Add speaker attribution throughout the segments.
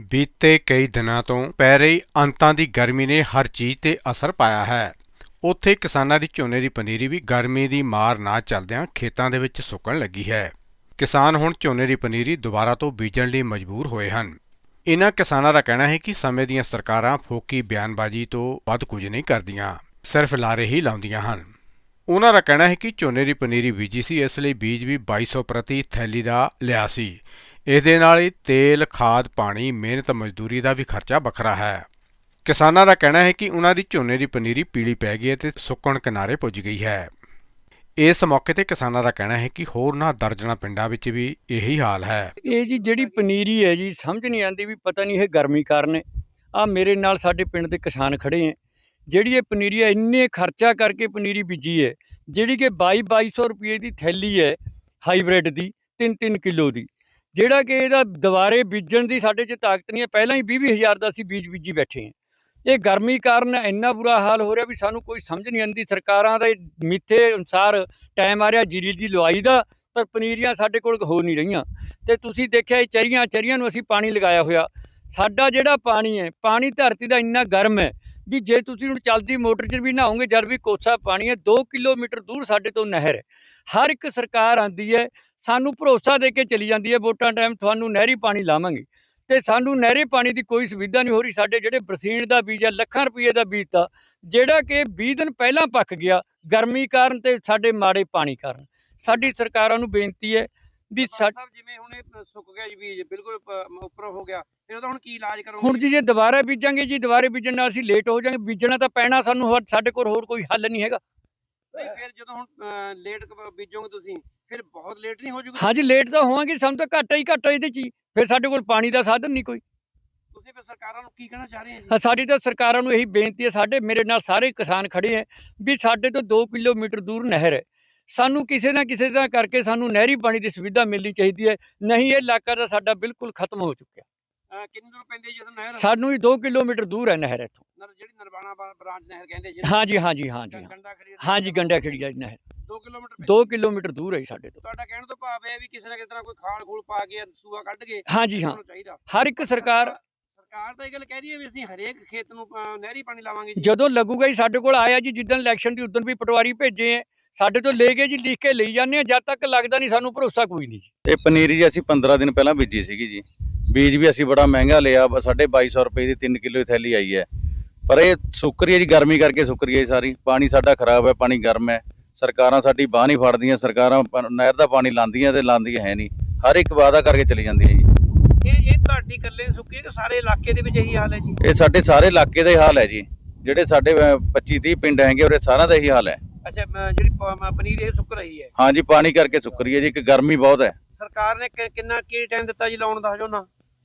Speaker 1: ਬੀਤੇ ਕਈ ਦਿਨਾਂ ਤੋਂ ਪੈ ਰਹੀ ਅੰਤਾਂ ਦੀ ਗਰਮੀ ਨੇ ਹਰ ਚੀਜ਼ ਤੇ ਅਸਰ ਪਾਇਆ ਹੈ। ਉੱਥੇ ਕਿਸਾਨਾਂ ਦੀ ਝੋਨੇ ਦੀ ਪਨੀਰੀ ਵੀ ਗਰਮੀ ਦੀ ਮਾਰ ਨਾ ਚੱਲਦਿਆਂ ਖੇਤਾਂ ਦੇ ਵਿੱਚ ਸੁੱਕਣ ਲੱਗੀ ਹੈ। ਕਿਸਾਨ ਹੁਣ ਝੋਨੇ ਦੀ ਪਨੀਰੀ ਦੁਬਾਰਾ ਤੋਂ ਬੀਜਣ ਲਈ ਮਜਬੂਰ ਹੋਏ ਹਨ। ਇਨ੍ਹਾਂ ਕਿਸਾਨਾਂ ਦਾ ਕਹਿਣਾ ਹੈ ਕਿ ਸਮੇਂ ਦੀਆਂ ਸਰਕਾਰਾਂ ਫੋਕੀ ਬਿਆਨਬਾਜ਼ੀ ਤੋਂ ਵੱਧ ਕੁਝ ਨਹੀਂ ਕਰਦੀਆਂ, ਸਿਰਫ ਲਾਰੇ ਹੀ ਲਾਉਂਦੀਆਂ ਹਨ। ਉਹਨਾਂ ਦਾ ਕਹਿਣਾ ਹੈ ਕਿ ਝੋਨੇ ਦੀ ਪਨੀਰੀ ਬੀਜੀ ਸੀ, ਇਸ ਲਈ ਬੀਜ ਵੀ 2200 ਪ੍ਰਤੀ ਥੈਲੀ ਦਾ ਲਿਆ ਸੀ। ਇਹਦੇ ਨਾਲ ਹੀ ਤੇਲ, ਖਾਦ, ਪਾਣੀ, ਮਿਹਨਤ, ਮਜ਼ਦੂਰੀ ਦਾ ਵੀ ਖਰਚਾ ਵੱਖਰਾ ਹੈ। ਕਿਸਾਨਾਂ ਦਾ ਕਹਿਣਾ ਹੈ ਕਿ ਉਹਨਾਂ ਦੀ ਝੋਨੇ ਦੀ ਪਨੀਰੀ ਪੀਲੀ ਪੈ ਗਈ ਹੈ ਤੇ ਸੁੱਕਣ ਕਿਨਾਰੇ ਪੁੱਜ ਗਈ ਹੈ। ਇਸ ਮੌਕੇ ਤੇ ਕਿਸਾਨਾਂ ਦਾ ਕਹਿਣਾ ਹੈ ਕਿ ਹੋਰਨਾਂ ਦਰਜਨਾਂ ਪਿੰਡਾਂ ਵਿੱਚ ਵੀ ਇਹੀ ਹਾਲ ਹੈ।
Speaker 2: ਇਹ ਜੀ ਜਿਹੜੀ ਪਨੀਰੀ ਹੈ ਜੀ, ਸਮਝ ਨਹੀਂ ਆਉਂਦੀ ਵੀ ਪਤਾ ਨਹੀਂ ਇਹ ਗਰਮੀ ਕਾਰਨ ਹੈ। ਆ ਮੇਰੇ ਨਾਲ ਸਾਡੇ ਪਿੰਡ ਦੇ ਕਿਸਾਨ ਖੜੇ ਹੈ। ਜਿਹੜੀ ਇਹ ਪਨੀਰੀ ਹੈ, ਇੰਨੇ ਖਰਚਾ ਕਰਕੇ ਪਨੀਰੀ ਬੀਜੀ ਹੈ, ਜਿਹੜੀ ਕਿ 2200 ਰੁਪਏ ਦੀ ਥੈਲੀ ਹੈ ਹਾਈਬ੍ਰਿਡ ਦੀ, 3-3 ਕਿਲੋ ਦੀ। ਜਿਹੜਾ ਕਿ ਇਹਦਾ ਦੁਬਾਰੇ ਬੀਜਣ ਦੀ ਸਾਡੇ 'ਚ ਤਾਕਤ ਨਹੀਂ ਹੈ। ਪਹਿਲਾਂ ਹੀ 20-20 ਦਾ ਅਸੀਂ ਬੀਜ ਬੀਜੀ ਬੈਠੇ ਹਾਂ। ਇਹ ਗਰਮੀ ਕਾਰਨ ਇੰਨਾ ਬੁਰਾ ਹਾਲ ਹੋ ਰਿਹਾ ਵੀ ਸਾਨੂੰ ਕੋਈ ਸਮਝ ਨਹੀਂ ਆਉਂਦੀ। ਸਰਕਾਰਾਂ ਦੇ ਮਿੱਥੇ ਅਨੁਸਾਰ ਟਾਈਮ ਆ ਰਿਹਾ ਜੀਰੀ ਦੀ ਲੁਆਈ ਦਾ, ਪਰ ਪਨੀਰੀਆਂ ਸਾਡੇ ਕੋਲ ਹੋ ਨਹੀਂ ਰਹੀਆਂ। ਤੇ ਤੁਸੀਂ ਦੇਖਿਆ ਇਹ ਚਰੀਆਂ ਨੂੰ ਅਸੀਂ ਪਾਣੀ ਲਗਾਇਆ ਹੋਇਆ। ਸਾਡਾ ਜਿਹੜਾ ਪਾਣੀ ਹੈ, ਪਾਣੀ ਧਰਤੀ ਦਾ ਇੰਨਾ ਗਰਮ ਹੈ ਵੀ ਜੇ ਤੁਸੀਂ ਹੁਣ ਚੱਲਦੀ ਮੋਟਰ 'ਚ ਵੀ ਨਹਾਓਗੇ ਜਦ ਵੀ ਕੋਸਾ ਪਾਣੀ ਹੈ। 2 ਕਿਲੋਮੀਟਰ ਦੂਰ ਸਾਡੇ ਤੋਂ ਨਹਿਰ ਹੈ। ਹਰ ਇੱਕ ਸਰਕਾਰ ਆਉਂਦੀ ਹੈ, ਸਾਨੂੰ ਭਰੋਸਾ ਦੇ ਕੇ ਚਲੀ ਜਾਂਦੀ ਹੈ ਵੋਟਾਂ ਟਾਈਮ ਤੁਹਾਨੂੰ ਨਹਿਰੀ ਪਾਣੀ ਲਾਵਾਂਗੇ, ਤੇ ਸਾਨੂੰ ਨਹਿਰੀ ਪਾਣੀ ਦੀ ਕੋਈ ਸੁਵਿਧਾ ਨਹੀਂ ਹੋ ਰਹੀ। ਸਾਡੇ ਜਿਹੜੇ ਬਰਸੀਨ ਦਾ ਬੀਜ ਹੈ, ਲੱਖਾਂ ਰੁਪਏ ਦਾ ਬੀਜ ਤਾ, ਜਿਹੜਾ ਕਿ 20 ਦਿਨ ਪਹਿਲਾਂ ਪੱਕ ਗਿਆ ਗਰਮੀ ਕਾਰਨ ਤੇ ਸਾਡੇ ਮਾੜੇ ਪਾਣੀ ਕਾਰਨ। ਸਾਡੀ ਸਰਕਾਰਾਂ ਨੂੰ ਬੇਨਤੀ ਹੈ ਵੀ
Speaker 3: ਜਿਵੇਂ ਹੁਣ ਇਹ ਸੁੱਕ ਗਿਆ ਜੀ, ਬੀਜ ਬਿਲਕੁਲ ਉੱਪਰ ਹੋ ਗਿਆ, ਫਿਰ ਉਹਦਾ ਹੁਣ ਕੀ ਇਲਾਜ ਕਰੋਗੇ?
Speaker 2: ਹੁਣ ਜੀ ਜੇ ਦੁਬਾਰਾ ਬੀਜਾਂਗੇ ਜੀ, ਦੁਬਾਰੇ ਬੀਜਣ ਨਾਲ ਅਸੀਂ ਲੇਟ ਹੋ ਜਾਵਾਂਗੇ। ਬੀਜਣਾ ਤਾਂ ਪੈਣਾ ਸਾਨੂੰ, ਸਾਡੇ ਕੋਲ ਹੋਰ ਕੋਈ ਹੱਲ ਨਹੀਂ ਹੈਗਾ।
Speaker 3: ਫਿਰ ਜਦੋਂ ਹੁਣ ਲੇਟ ਬੀਜੋਗੇ ਤੁਸੀਂ, ਫਿਰ ਬਹੁਤ ਲੇਟ ਨਹੀਂ ਹੋ ਜੂਗੀ?
Speaker 2: ਹਾਂਜੀ, ਲੇਟ ਤਾਂ ਹੋਵਾਂਗੇ, ਸਾਨੂੰ ਤਾਂ ਘਾਟਾ ਹੀ ਘਾਟਾ ਇਹਦੇ 'ਚ ਹੀ। ਫਿਰ ਸਾਡੇ ਕੋਲ ਪਾਣੀ ਦਾ ਸਾਧਨ ਨਹੀਂ ਕੋਈ।
Speaker 3: ਤੁਸੀਂ ਫਿਰ ਸਰਕਾਰਾਂ ਨੂੰ ਕੀ ਕਹਿਣਾ ਚਾਹ ਰਹੇ ਹੋ ਜੀ?
Speaker 2: ਸਾਡੀ ਤਾਂ ਸਰਕਾਰਾਂ ਨੂੰ ਇਹੀ ਬੇਨਤੀ ਹੈ, ਸਾਡੇ ਮੇਰੇ ਨਾਲ ਸਾਰੇ ਕਿਸਾਨ ਖੜੇ ਹੈ ਵੀ ਸਾਡੇ ਤੋਂ 2 ਕਿਲੋਮੀਟਰ ਦੂਰ ਨਹਿਰ ਹੈ। ਸਾਨੂੰ ਕਿਸੇ ਨਾ ਕਿਸੇ ਤਰ੍ਹਾਂ ਕਰਕੇ ਸਾਨੂੰ ਨਹਿਰੀ ਪਾਣੀ ਦੀ ਸੁਵਿਧਾ ਮਿਲਣੀ ਚਾਹੀਦੀ ਹੈ, ਨਹੀਂ ਇਹ ਇਲਾਕਾ ਤਾਂ ਸਾਡਾ ਬਿਲਕੁਲ ਖਤਮ ਹੋ ਚੁੱਕਿਆ।
Speaker 3: ਕਿੰਨੀ ਦੂਰ ਪੈਂਦੀ ਜਦੋਂ ਨਹਿਰ?
Speaker 2: ਸਾਨੂੰ ਹੀ 2 ਕਿਲੋਮੀਟਰ ਦੂਰ ਹੈ ਨਹਿਰ ਇੱਥੋਂ।
Speaker 3: ਜਿਹੜੀ ਨਰਵਾਣਾ ਬ੍ਰਾਂਚ ਨਹਿਰ ਕਹਿੰਦੇ ਜੀ?
Speaker 2: ਹਾਂਜੀ, ਗੰਡਾ ਖੇੜੀ ਨਹਿਰ 2 ਕਿਲੋਮੀਟਰ ਦੂਰ ਹੈ ਸਾਡੇ ਤੋਂ।
Speaker 3: ਤੁਹਾਡਾ ਕਹਿਣ ਤੋਂ ਭਾਵ ਹੈ ਵੀ ਕਿਸੇ ਨਾ ਕਿਸੇ ਤਰ੍ਹਾਂ ਕੋਈ ਖਾਲ ਖੂਲ ਪਾ ਕੇ ਸੂਆ ਕੱਢ ਕੇ
Speaker 2: ਹਾਂਜੀ ਹਾਂ, ਹਰ ਇੱਕ ਸਰਕਾਰ
Speaker 3: ਤਾਂ ਇਹ ਗੱਲ ਕਹਿ ਰਹੀ ਹੈ ਵੀ ਅਸੀਂ ਹਰੇਕ ਖੇਤ ਨੂੰ ਨਹਿਰੀ ਪਾਣੀ ਲਾਵਾਂਗੇ ਜੀ।
Speaker 2: ਜਦੋਂ ਲੱਗੂਗਾ ਜੀ। ਸਾਡੇ ਕੋਲ ਆਇਆ ਜੀ ਜਿੱਦਣ ਇਲੈਕਸ਼ਨ ਦੀ, ਉਦੋਂ ਵੀ ਪਟਵਾਰੀ ਭੇਜੇ ਹੈ, ਸਾਡੇ ਤੋਂ ਲੈ ਕੇ ਜੀ ਲਿਖ ਕੇ ਲਈ ਜਾਂਦੇ ਆ। ਜਦ ਤੱਕ ਲੱਗਦਾ ਨਹੀਂ ਸਾਨੂੰ ਭਰੋਸਾ ਕੋਈ ਨਹੀਂ ਜੀ।
Speaker 4: ਇਹ ਪਨੀਰੀ ਜੀ ਅਸੀਂ 15 ਦਿਨ ਪਹਿਲਾਂ ਬੀਜੀ ਸੀਗੀ ਜੀ। ਬੀਜ ਵੀ ਅਸੀਂ ਬੜਾ ਮਹਿੰਗਾ ਲਿਆ, 2250 ਰੁਪਏ ਦੀ 3 ਕਿਲੋ ਥੈਲੀ ਆਈ ਹੈ। ਪਰ ਇਹ ਸੁੱਕ ਰਹੀ ਹੈ ਜੀ, ਗਰਮੀ ਕਰਕੇ ਸੁੱਕ ਰਹੀ ਹੈ ਸਾਰੀ। ਪਾਣੀ ਸਾਡਾ ਖਰਾਬ ਹੈ, ਪਾਣੀ ਗਰਮ ਹੈ। ਸਰਕਾਰਾਂ ਸਾਡੀ ਬਾਂਹ ਨਹੀਂ ਫੜਦੀਆਂ। ਸਰਕਾਰਾਂ ਨਹਿਰ ਦਾ ਪਾਣੀ ਲਾਉਂਦੀਆਂ ਤੇ ਲਾਉਂਦੀਆਂ ਹੈ ਨਹੀਂ, ਹਰ ਇੱਕ ਵਾਅਦਾ ਕਰਕੇ ਚਲੀ ਜਾਂਦੀ ਹੈ ਜੀ।
Speaker 3: ਇਹ ਤੁਹਾਡੀ ਇਕੱਲੇ ਸੁੱਕੀ ਹੈ ਕਿ ਸਾਰੇ ਇਲਾਕੇ ਦੇ ਵਿੱਚ ਇਹੀ ਹਾਲ ਹੈ ਜੀ?
Speaker 4: ਇਹ ਸਾਡੇ ਸਾਰੇ ਇਲਾਕੇ ਦਾ ਹੀ ਹਾਲ ਹੈ ਜੀ। ਜਿਹੜੇ ਸਾਡੇ 25-30 ਪਿੰਡ ਹੈਗੇ ਉਹਦੇ ਸਾਰਿਆਂ ਦਾ ਇਹੀ ਹਾਲ ਹੈ।
Speaker 3: ਅੱਛਾ, ਜਿਹੜੀ ਪਨੀਰ ਇਹ ਸੁੱਕ ਰਹੀ ਹੈ?
Speaker 4: ਹਾਂ ਜੀ, ਪਾਣੀ ਕਰਕੇ ਸੁੱਕ ਰਹੀ ਹੈ ਜੀ, ਇੱਕ ਗਰਮੀ ਬਹੁਤ ਹੈ।
Speaker 3: ਸਰਕਾਰ ਨੇ ਕਿੰਨਾ ਕੀ ਟਾਈਮ ਦਿੱਤਾ ਜੀ ਲਾਉਣ ਦਾ ਝੋਨਾ?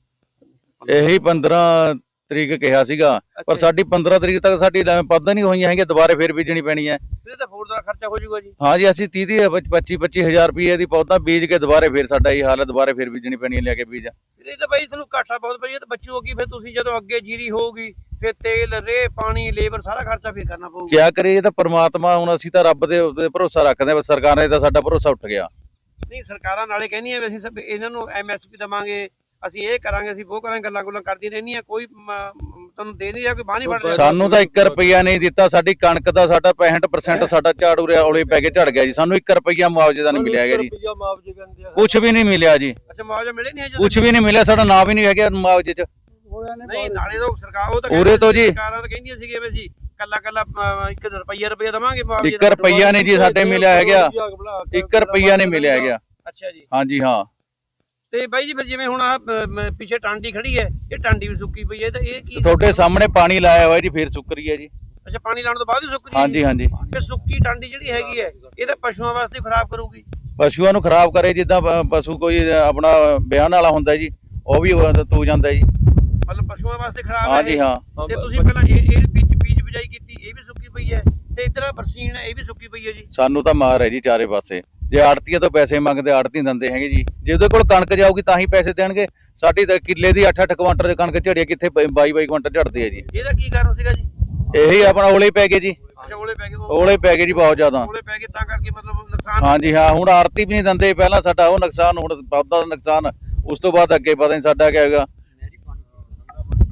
Speaker 4: ਇਹੀ 15 ਤਰੀਕ ਕਿਹਾ ਸੀਗਾ, ਪਰ ਸਾਡੀ 15 ਤਰੀਕ ਤੱਕ ਸਾਡੀ ਪੱਦਾਂ ਨਹੀਂ ਹੋਈਆਂ ਹੈਗੀਆਂ, ਦੁਬਾਰੇ ਫਿਰ ਬੀਜਣੀ ਪੈਣੀ ਹੈ।
Speaker 3: ਫਿਰ ਤਾਂ ਹੋਰ ਦਾ ਖਰਚਾ ਹੋ ਜਾਊਗਾ ਜੀ।
Speaker 4: ਹਾਂ ਜੀ, ਅਸੀਂ 25-25 ਹਜ਼ਾਰ ਰੁਪਏ ਦੀ ਪੌਦਾ ਬੀਜ ਕੇ ਦੁਬਾਰੇ ਫਿਰ ਸਾਡਾ ਇਹ ਹਾਲ ਹੈ, ਦੁਬਾਰੇ ਫਿਰ ਬੀਜਣੀ ਪੈਣੀ ਹੈ ਲਿਆ ਕੇ ਬੀਜ।
Speaker 3: ਇਹ ਤਾਂ ਬਾਈ ਤੁਹਾਨੂੰ ਘਾਟਾ ਬਹੁਤ ਪਈ, ਤਾਂ ਬਚੂਗੀ ਫਿਰ ਤੁਸੀਂ ਜਦੋਂ ਅੱਗੇ ਜੀਰੀ ਹੋਊਗੀ, ਫਿਰ ਤੇਲ, ਰੇਹ, ਪਾਣੀ, ਲੇਬਰ ਸਾਰਾ ਖਰਚਾ ਫਿਰ ਕਰਨਾ ਪਊਗਾ।
Speaker 4: ਕਿਆ ਕਰੀਏ, ਇਹ ਤਾਂ ਪਰਮਾਤਮਾ, ਹੁਣ ਅਸੀਂ ਤਾਂ ਰੱਬ ਦੇ ਭਰੋਸਾ ਰੱਖਦੇ ਹਾਂ। ਸਰਕਾਰਾਂ ਨੇ ਤਾਂ ਸਾਡਾ ਭਰੋਸਾ ਉੱਠ ਗਿਆ।
Speaker 3: ਨਹੀਂ, ਸਰਕਾਰਾਂ ਨਾਲੇ ਕਹਿੰਦੀਆਂ ਵੀ ਅਸੀਂ ਸਭ ਇਹਨਾਂ ਨੂੰ MSP ਦੇਵਾਂਗੇ, ਅਸੀਂ ਇਹ ਕਰਾਂਗੇ, ਅਸੀਂ ਉਹ ਕਰਾਂਗੇ, ਗੱਲਾਂ ਕਰਦੀਆਂ ਰਹਿੰਦੀਆਂ। ਕੋਈ ਤੁਹਾਨੂੰ ਦੇ ਨਹੀਂ ਰਿਹਾ, ਕੋਈ ਬਾਂਹ ਨਹੀਂ ਫੜ ਰਿਹਾ।
Speaker 4: ਸਾਨੂੰ ਤਾਂ 1 ਰੁਪਈਆ ਨਹੀਂ ਦਿੱਤਾ। ਸਾਡੀ ਕਣਕ ਦਾ ਸਾਡਾ 65% ਸਾਡਾ ਝਾੜੂ ਔਲੇ ਪੈ ਕੇ ਝੜ ਗਿਆ ਜੀ। ਸਾਨੂੰ 1 ਰੁਪਈਆ ਮੁਆਵਜ਼ੇ ਦਾ ਨਹੀਂ ਮਿਲਿਆ ਹੈਗਾ ਜੀ, ਕੁਛ ਵੀ ਨਹੀਂ ਮਿਲਿਆ ਜੀ।
Speaker 3: ਅੱਛਾ, ਮੁਆਵਜ਼ਾ ਮਿਲੇ ਨਹੀਂ?
Speaker 4: ਕੁਛ ਵੀ ਨਹੀਂ ਮਿਲਿਆ, ਸਾਡਾ ਨਾਂ ਵੀ ਨਹੀਂ ਹੈਗਾ ਮੁਆਵਜ਼ੇ 'ਚ।
Speaker 3: ਨਹੀਂ, ਨਾਲੇ ਤਾਂ ਸਰਕਾਰ ਉਹ ਤਾਂ
Speaker 4: ਉਰੇ ਤੋਂ ਜੀ
Speaker 3: ਸਰਕਾਰਾਂ ਤਾਂ ਕਹਿੰਦੀਆਂ ਸੀਗੀਆਂ ਵੀ ਅਸੀਂ ਕੱਲਾ 1 ਰੁਪਈਆ ਦੇਵਾਂਗੇ ਮੁਆਵਜ਼ੇ।
Speaker 4: 1 ਰੁਪਈਆ ਨਹੀਂ ਜੀ ਸਾਡੇ ਮਿਲਿਆ ਹੈਗਾ, 1 ਰੁਪਈਆ ਨਹੀਂ ਮਿਲਿਆ ਹੈਗਾ।
Speaker 3: ਅੱਛਾ ਜੀ।
Speaker 4: ਹਾਂਜੀ ਹਾਂ।
Speaker 3: ਤੇ ਬਾਈ ਜੀ ਫਿਰ ਜਿਵੇਂ ਹੁਣ ਆ ਪਿੱਛੇ ਟਾਂਡੀ ਖੜੀ ਹੈ, ਇਹ ਟਾਂਡੀ ਵੀ ਸੁੱਕੀ ਪਈ ਹੈ, ਤਾਂ ਇਹ ਕੀ?
Speaker 4: ਤੁਹਾਡੇ ਸਾਹਮਣੇ ਪਾਣੀ ਲਾਇਆ ਹੋਇਆ ਜੀ, ਫਿਰ ਸੁੱਕ ਰਹੀ ਹੈ ਜੀ।
Speaker 3: ਅੱਛਾ, ਪਾਣੀ ਲਾਉਣ ਤੋਂ ਬਾਅਦ ਹੀ ਸੁੱਕ ਰਹੀ ਹੈ?
Speaker 4: ਹਾਂਜੀ ਹਾਂਜੀ।
Speaker 3: ਇਹ ਸੁੱਕੀ ਟਾਂਡੀ ਜਿਹੜੀ ਹੈਗੀ ਹੈ, ਇਹ ਤਾਂ ਪਸ਼ੂਆਂ ਵਾਸਤੇ ਖਰਾਬ ਕਰੂਗੀ।
Speaker 4: ਪਸ਼ੂਆਂ ਨੂੰ ਖਰਾਬ ਕਰੇ, ਜਿੱਦਾਂ ਪਸ਼ੂ ਕੋਈ ਆਪਣਾ ਵਿਆਹਣ ਵਾਲਾ ਹੁੰਦਾ ਜੀ, ਉਹ ਵੀ ਤੂ ਜਾਂਦਾ ਜੀ।
Speaker 3: ਮਤਲਬ ਪਸ਼ੂਆਂ ਵਾਸਤੇ ਖਰਾਬ ਹੈ?
Speaker 4: ਹਾਂਜੀ ਹਾਂ।
Speaker 3: ਤੇ ਤੁਸੀਂ ਪਹਿਲਾਂ ਇਹ ਬੀਜ ਬਿਜਾਈ ਕੀਤੀ, ਇਹ ਵੀ ਸੁੱਕੀ ਪਈ ਹੈ, ਤੇ ਇੱਧਰ ਬਰਸੀਨ ਇਹ ਵੀ ਸੁੱਕੀ ਪਈ ਹੈ ਜੀ।
Speaker 4: ਸਾਨੂੰ ਤਾਂ ਮਾਰ ਹੈ ਜੀ ਚਾਰੇ ਪਾਸੇ। ਜੇ ਆੜਤੀਆਂ ਤੋਂ ਪੈਸੇ ਮੰਗਦੇ, ਆੜਤੀ ਦਿੰਦੇ ਹੈਗੇ ਜੀ। ਜੇ ਉਹਦੇ ਕੋਲ ਕਣਕ ਜਾਊਗੀ ਤਾਂ ਹੀ ਪੈਸੇ ਦੇਣਗੇ। ਸਾਡੀ ਤਾਂ ਕਿੱਲੇ ਦੀ 8-8 ਕੁਆਂਟਲ ਦੀ ਕਣਕ ਝੜੀ, ਕਿੱਥੇ 22-22 ਕੁਆਂਟਲ ਝੜਦੀ ਹੈ ਜੀ।
Speaker 3: ਇਹਦਾ ਕੀ ਕਾਰਨ ਸੀਗਾ ਜੀ?
Speaker 4: ਇਹੀ ਆਪਣਾ ਔਲੇ ਪੈ ਗਏ ਜੀ।
Speaker 3: ਅੱਛਾ, ਔਲੇ ਪੈ ਗਏ?
Speaker 4: ਔਲੇ ਪੈ ਗਏ ਜੀ, ਬਹੁਤ ਜ਼ਿਆਦਾ
Speaker 3: ਔਲੇ ਪੈ ਗਏ ਤਾਂ ਕਰਕੇ ਮਤਲਬ ਨੁਕਸਾਨ?
Speaker 4: ਹਾਂਜੀ ਹਾਂ। ਹੁਣ ਆੜਤੀ ਵੀ ਨਹੀਂ ਦਿੰਦੇ, ਪਹਿਲਾਂ ਸਾਡਾ ਉਹ ਨੁਕਸਾਨ, ਹੁਣ ਪੌਦਾ ਦਾ ਨੁਕਸਾਨ, ਉਸ ਤੋਂ ਬਾਅਦ ਅੱਗੇ ਪਤਾ ਨਹੀਂ ਸਾਡਾ ਕੀ ਹੈਗਾ।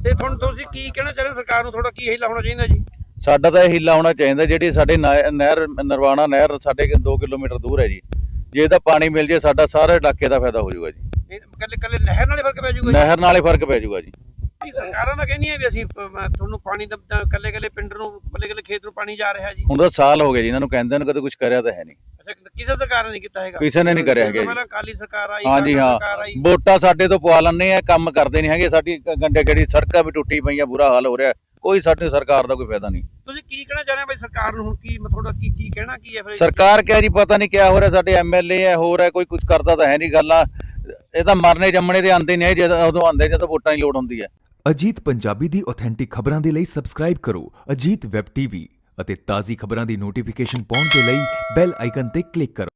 Speaker 3: ਤੇ ਤੁਹਾਨੂੰ ਤੁਸੀਂ ਕੀ ਕਹਿਣਾ ਚਾਹੁੰਦੇ ਸਰਕਾਰ ਨੂੰ, ਤੁਹਾਡਾ ਕੀ ਹੀਲਾ ਹੋਣਾ ਚਾਹੀਦਾ ਜੀ?
Speaker 4: ਸਾਡਾ ਤਾਂ ਇਹ ਹੀਲਾ ਹੋਣਾ ਚਾਹੀਦਾ, ਜਿਹੜੀ ਸਾਡੇ ਨਹਿਰ ਨਰਵਾਣਾ ਨਹਿਰ ਸਾਡੇ 2 ਕਿਲੋਮੀਟਰ ਦੂਰ ਹੈ ਜੀ, ਜੇ ਇਹਦਾ ਪਾਣੀ ਮਿਲ ਜੇ ਸਾਡਾ ਸਾਰੇ ਇਲਾਕੇ ਦਾ ਫਾਇਦਾ ਹੋ ਜਾਊਗਾ ਜੀ।
Speaker 3: ਕੱਲੇ ਕੱਲੇ ਨਹਿਰ ਨਾਲੇ ਫਰਕ ਪੈ ਜਾਊਗਾ ਜੀ?
Speaker 4: ਨਹਿਰ ਨਾਲੇ ਫਰਕ ਪੈ ਜਾਊਗਾ ਜੀ।
Speaker 3: ਸਰਕਾਰਾਂ ਤਾਂ ਕਹਿੰਦੀਆਂ ਵੀ ਅਸੀਂ ਤੁਹਾਨੂੰ ਪਾਣੀ ਦਾ ਕੱਲੇ ਕੱਲੇ ਪਿੰਡ ਨੂੰ ਕੱਲੇ ਕੱਲੇ ਖੇਤ ਨੂੰ ਪਾਣੀ ਜਾ ਰਿਹਾ ਜੀ।
Speaker 4: ਹੁਣ ਤਾਂ ਸਾਲ ਹੋ ਗਏ ਜੀ ਇਹਨਾਂ ਨੂੰ ਕਹਿੰਦੇ ਨੂੰ, ਕਦੇ ਕੁਝ ਕਰਿਆ ਤਾਂ ਹੈ ਨਹੀਂ।
Speaker 3: ਅੱਛਾ, ਕਿਸੇ ਸਰਕਾਰ ਨੇ ਨਹੀਂ ਕੀਤਾ ਹੈਗਾ?
Speaker 4: ਕਿਸੇ ਨੇ ਨਹੀਂ ਕਰਿਆ ਹੈਗਾ ਜੀ।
Speaker 3: ਪਹਿਲਾਂ ਅਕਾਲੀ ਸਰਕਾਰ ਆਈ,
Speaker 4: ਹਾਂਜੀ
Speaker 3: ਕਾਂਗਰਸ
Speaker 4: ਹਾਂ,
Speaker 3: ਸਰਕਾਰ ਆਈ।
Speaker 4: ਵੋਟਾਂ ਸਾਡੇ ਤੋਂ ਪਵਾ ਲੈਂਦੇ ਆ, ਕੰਮ ਕਰਦੇ ਨਹੀਂ ਹੈਗੇ। ਸਾਡੀ ਗੰਡੇ ਗੜੀ ਸੜਕਾਂ ਵੀ ਟੁੱਟੀ ਪਈਆਂ, ਬੁਰਾ ਹਾਲ ਹੋ ਰਿਹਾ, ਕੋਈ ਸਾਡੀ ਸਰਕਾਰ ਦਾ ਕੋਈ ਫਾਇਦਾ ਨਹੀਂ।
Speaker 3: ਤੁਸੀਂ ਕੀ ਕਹਿਣਾ ਚਾਹੁੰਦੇ ਹੋ ਬਈ ਸਰਕਾਰ ਨੂੰ? ਹੁਣ ਕੀ ਤੁਹਾਡਾ ਕੀ ਕਹਿਣਾ ਕੀ ਹੈ ਫਿਰ?
Speaker 4: ਸਰਕਾਰ ਕਿਹਾ ਜੀ ਪਤਾ ਨਹੀਂ ਕਿਆ ਹੋ ਰਿਹਾ, ਸਾਡੇ ਐਮਐਲਏ ਹੈ ਹੋਰ ਹੈ, ਕੋਈ ਕੁਝ ਕਰਦਾ ਤਾਂ ਹੈ ਨਹੀਂ। ਗੱਲਾਂ ਇਹ ਤਾਂ ਮਰਨੇ ਜੰਮਣੇ ਦੇ ਆਉਂਦੇ ਨਹੀਂ, ਜਦੋਂ ਉਦੋਂ ਆਉਂਦੇ ਜਦੋਂ ਵੋਟਾਂ ਦੀ ਲੋੜ ਹੁੰਦੀ ਹੈ।
Speaker 5: ਅਜੀਤ ਪੰਜਾਬੀ ਦੀ ਆਥੈਂਟਿਕ ਖਬਰਾਂ ਦੇ ਲਈ ਸਬਸਕ੍ਰਾਈਬ ਕਰੋ ਅਜੀਤ ਵੈਬ ਟੀਵੀ ਅਤੇ ਤਾਜ਼ੀ ਖਬਰਾਂ ਦੀ ਨੋਟੀਫਿਕੇਸ਼ਨ ਪਾਉਣ ਦੇ ਲਈ ਬੈਲ ਆਈਕਨ ਤੇ ਕਲਿੱਕ ਕਰੋ।